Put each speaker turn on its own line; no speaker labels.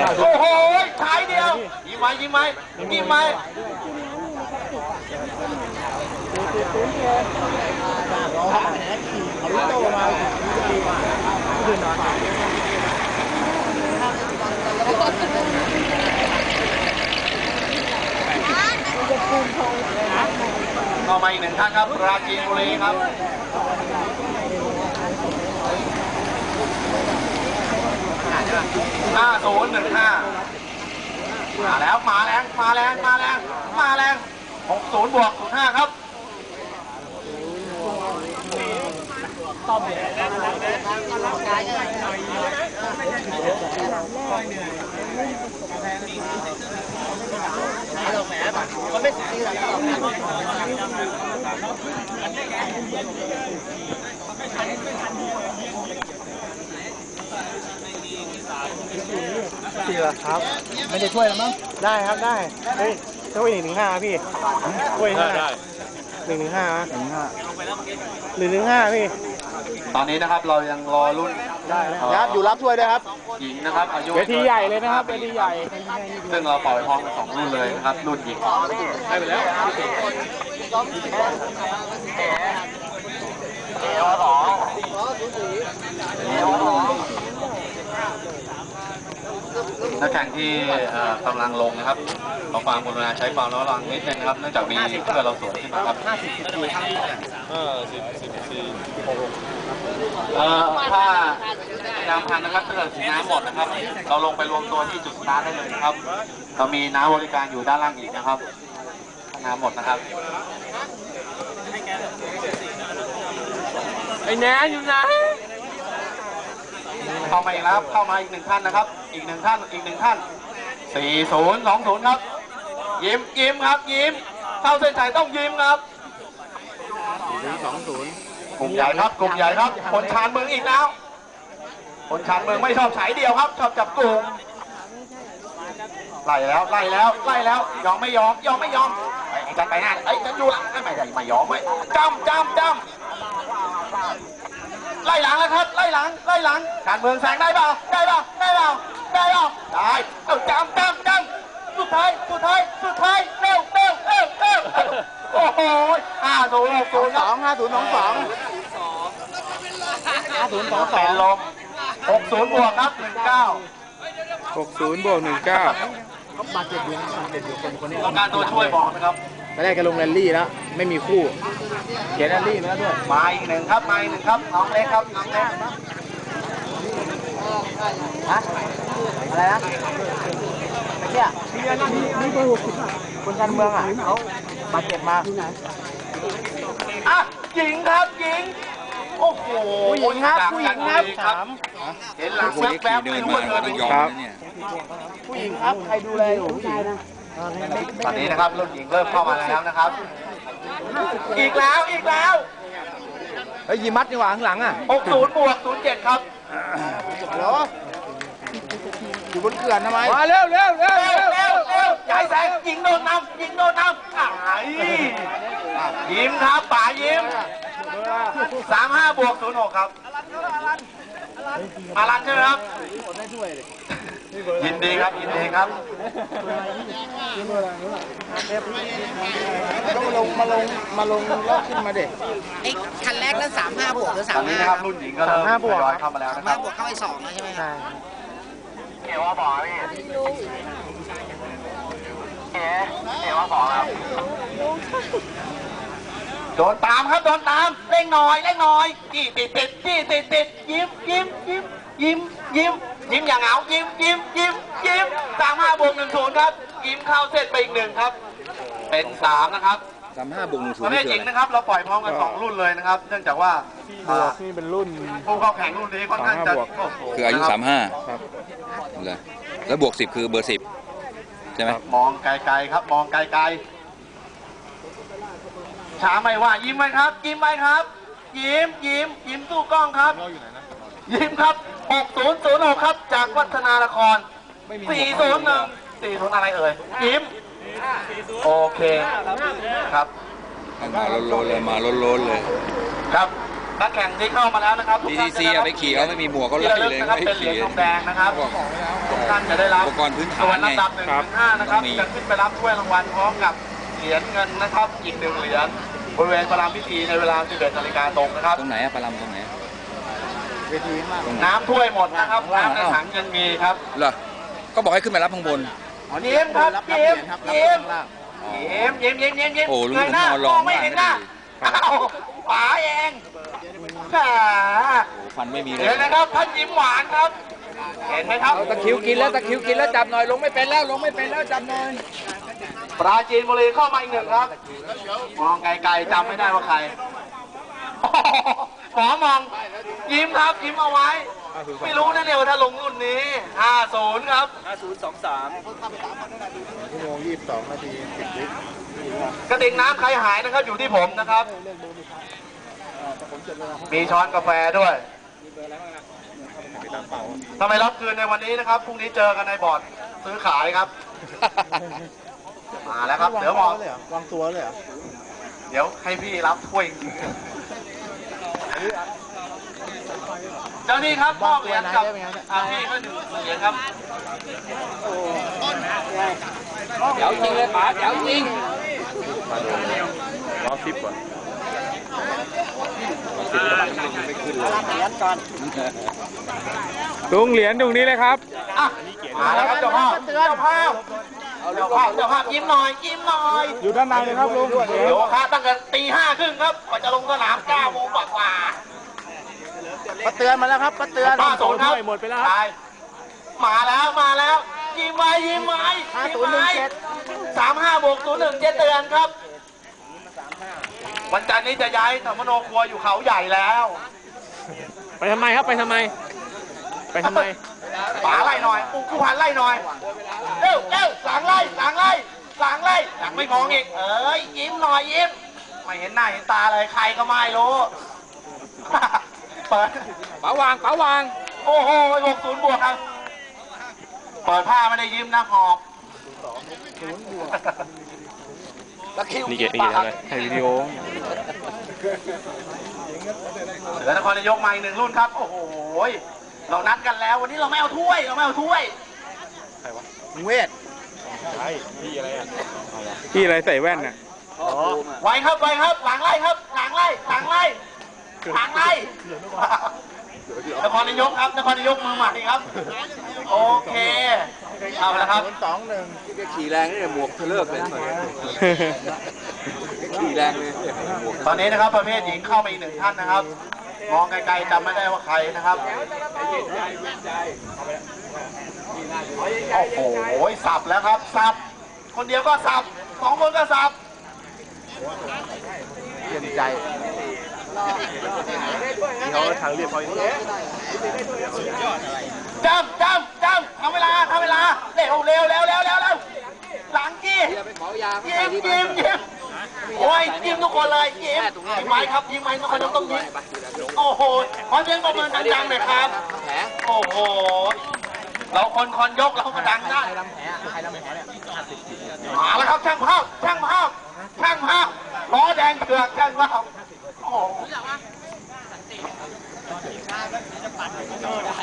โอ้โหท้ายเดียวยิ้มไหมยิ้มไหมยิ้มไหมเข้ามาอีกหนึ่งท่านครับปราจีนบุรีครับ5015มาแล้วมาแรงมาแรงมาแรงมาแรง60 บวก 05ครับ
สี่ละครับไม่ได้ช่วยแล้วมั้งได้ครับได้เฮ้ยช่วย115พี่ช่วยได้115พี่
ตอนนี้นะครับเรายังรอรุ่น
ได้ครับอยู่รับช่วยด้วยครับ
หญิงนะครับอายุ
เวทีใหญ่เลยนะครับเวทีใหญ่
ซึ่งเราปล่อยพร้อมกัน2รุ่นเลยนะครับรุ่นหญิงได้ไปแล้วนักแข่งที่กำลังลงนะครับขอความกรุณาใช้ความระวังนิดนึงนะครับเนื่องจากมีเพื่อนเราสวนขึ้นมาครับถ้าน้ำพันนะครับถ้าเกิดสีน้ำหมดนะครับเราลงไปรวมตัวที่จุดสตาร์ทได้เลยนะครับเรามีน้ำบริการอยู่ด้านล่างอีกนะครับน้ำหมดนะครับ
ไอ้แหนอยู่ไหน
เข้ามาอีกแล้วเข้ามาอีก1ท่านนะครับอีก1ท่าน4020ครับยิ้มครับยิ้มเข้าเส้นชัยต้องยิ้มครับกลุ่มใหญ่ครับกลุ่มใหญ่ครับคนชานเมืองอีกแล้วคนชานเมืองไม่ชอบฉายเดียวครับชอบจับกลุ่มไล่แล้วยอมไม่ยอมจัดไปหน้าฉันอยู่ละไม่ยอมไว้จำไล่หลังแล้วครับไล่หลังการเมืองแซงได้เปล่าได้เอาจำสุดท้ายเร็วโอ้โห5022เป็นลม60 บวกครับ
60 บวก 19
บาดเจ็บอยู่ต้องการตัวช่วยบอกนะครับ
ตอนแรกก็ลงแรลลี่แล้วไม่มีคู่เขียนแรลลี่มาแล้วด้วย
มาอีกหนึ่งครับน้องเล็กครับน้องเล็ก
ฮะอะไรนะเนี่ยนี่ก็คนการเมืองอ่ะเขาบาดเจ็บมา
หญิงครับหญิงโอ้โห
ผู้หญิงครับ
เห็นหลังแวบๆไม่รู้ว่าเธอเป็น
ครับผู้หญิงครับใครดูแลอยู่ผู้หญิง
ตอนนี้นะครับรุ่นหญิงเริ่มเข้ามาแล้วนะครับอีกแล้ว
เฮ้ยยิมัดนี่หว่าข้างหลังอ่ะ
60 บวก 07ครับ
เหรออยู่บนเขื่อนทำไมมาเร็ว
ใหญ่แสงยิงโดนนำยิ้มครับป๋ายิ้ม35 บวก 06ครับอารันใช่ไหมครับยินดีครับ
ต้องมาลงแล้วขึ้นมาเด็ก
ไอ้คันแรกนั้น35 บวกหรือ35
ตอนนี้นะครับรุ่นหญิงก็เริ่มทยอยเข้ามาแล้วนะครับ
35 บวกเข้าไป2แล้วใช่ไหมครับ
เกี่ยวว่าบอกพี่เกี่ยวว่าบอกครับโดนตามครับเร่งหน่อยจี้ติดยิ้มอย่างเหงายิ้ม35 บวก 10ครับยิ้มเข้าเส้นไปอีก1ครับเป็น3นะครับ
35 บวก 10
ประเภทหญิงนะครับเราปล่อยพร้อมกัน2รุ่นเลยนะครับเนื่องจากว่า
นี่เป็นรุ่น
ผู้เข้าแข่งรุ่นนี้ค่อนข้างจะ
คืออายุ35ครับเลยแล้วบวก 10คือเบอร์10ใช่ไหม
มองไกลๆครับมองไกลช้าไม่ว่ายิ้มไหมครับยิ้มสู้กล้องครับยิ้มครับ6006ครับจากวัฒนานคร401อะไรเอ่ยยิ้มโอเคครับ
มาล้นเลย
ครับนักแข่งที่เข้ามาแล้วนะครับ
TCC ไปขี่เขาไม่มีหมวกเขาไล่เลย
นะครับเป็นเหรียญทองแดงนะครับท่านจะได้รับ
อุปกรณ์พื้นฐาน
ส่วนลำดับ
ไง
1 ถึง 5นะครับ
ต้องมี
จะขึ้นไปรับถ้วยรางวัลพร้อมกับเหรียญเงินนะครับอีก1 เหรียญบริเวณประรำพิธีในเวลา 11 นาฬิกาตรงนะครับ
ตรงไหนอะปลาลำตรงไหน
เวทีข้างล่าง
ตรงไหน
น้ำถ้วยหมดนะครับน้ำในถังยังมีครับ
เหรอก็บอกให้ขึ้นไปรับข้างบน
ยิ้มครับยิ้มยิ้ม
อ๋อ
ยิ้ม
โอ้ลุง
เงยหน้า
ผมนอนรอ
มองไม่เห็นหน้า
ไม่ได้
อ้าวป๋าเองแหม
โอ้ฟันไม่มีเล
เห็
ย
นนะครับท่านยิ้มหวานครับ เห็นไหมครับ
ตะคริวกินแล้วจับหน่อยลงไม่เป็นแล้วจับหน่อย
ปราจีนบุรีเข้ามาอีก 1 ครับ มองไกลๆจำไม่ได้ว่าใครหมอมองยิ้มครับยิ้มเอาไว้ ไม่รู้นะเนี่ยว่าถ้าลงรุ่นนี้ 50 ครับ
ชั่วโมง22 นาที 10 วิ
กระติกน้ำใครหายนะครับอยู่ที่ผมนะครับ มีช้อนกาแฟด้วยทำไมรับคืนในวันนี้นะครับพรุ่งนี้เจอกันในบอร์ดซื้อขายครับ มาแล้วครับ เดี๋ยวมอง
วางตัวเลยเหรอ
เดี๋ยวให้พี่รับถ้วยจริงๆเจ้านี่ครับมอบเหรียญกับพี่ก็1 เหรียญครับ
เดี๋ยวจริงเลยป๋าเดี๋ยวจริง
ลุงเหรียญตรงนี้เลยครับ
อ่ะมาแล้วครับเจ้าภาพยิ้มหน่อยยิ้มหน่อย
อยู่ด้านในเลยครับลุง
เดี๋ยวครับตั้งแต่ตี 5 ครึ่งครับกว่าจะลงสนาม 9 โมงกว่า
ป้าเตือนมาแล้วครับป้าเตือน
ป้าโสนครับ
หมดไปแล้วครับ
มาแล้วยิ้มไว้35 บวก 01 เตือนครับ วันจันทร์นี้จะย้ายธรรมโนครัวอยู่เขาใหญ่แล้ว
ไปทำไมครับไปทำไม
ป๋าไล่หน่อยกูพันไล่หน่อยเร็วหลังไล่หลังไม่มองอีกยิ้มหน่อยยิ้มไม่เห็นหน้าเห็นตาเลยใครก็ไม่รู้ เปิด
ป๋าวาง
โอ้โห60 บวกครับเปิดผ้าไม่ได้ยิ้มนะหอบนี่เกทำอะไรถ่ายวิดีโอเสือนครนายกมาอีก1 รุ่นครับโอ้โหเรานัดกันแล้ววันนี้เราไม่เอาถ้วย
เวทพี่อะไรใส่แว่นน่ะ
ไวครับหลังไล่นครนายกครับนครนายกมือใหม่ครับโอเคเอาละครับ
2-1
ขี่แรงนี่หมวกเลิกเลยขี่แรงเลย
ตอนนี้นะครับประเภทหญิงเข้ามาอีก1 ท่านนะครับมองไกลๆจำไม่ได้ว่าใครนะครับโอ้โหสับแล้วครับสับคนเดียวก็สับ2 คนก็สับ
เย็นใจเขาทางเรียบพอดี
จำทำเวลาเร็วหลังกี้ยิ้มโอ้ยยิ้มทุกคนเลยยิ้มไว้ครับยิ้มไว้ทุกคนต้องยิ้มโอ้โหขอเสียงปรบมือดังๆหน่อยครับโอ้โหเราคนยกเราก็ดังได้มาแล้วครับช่างภาพล้อแดงเถือกช่างภาพโอ้โห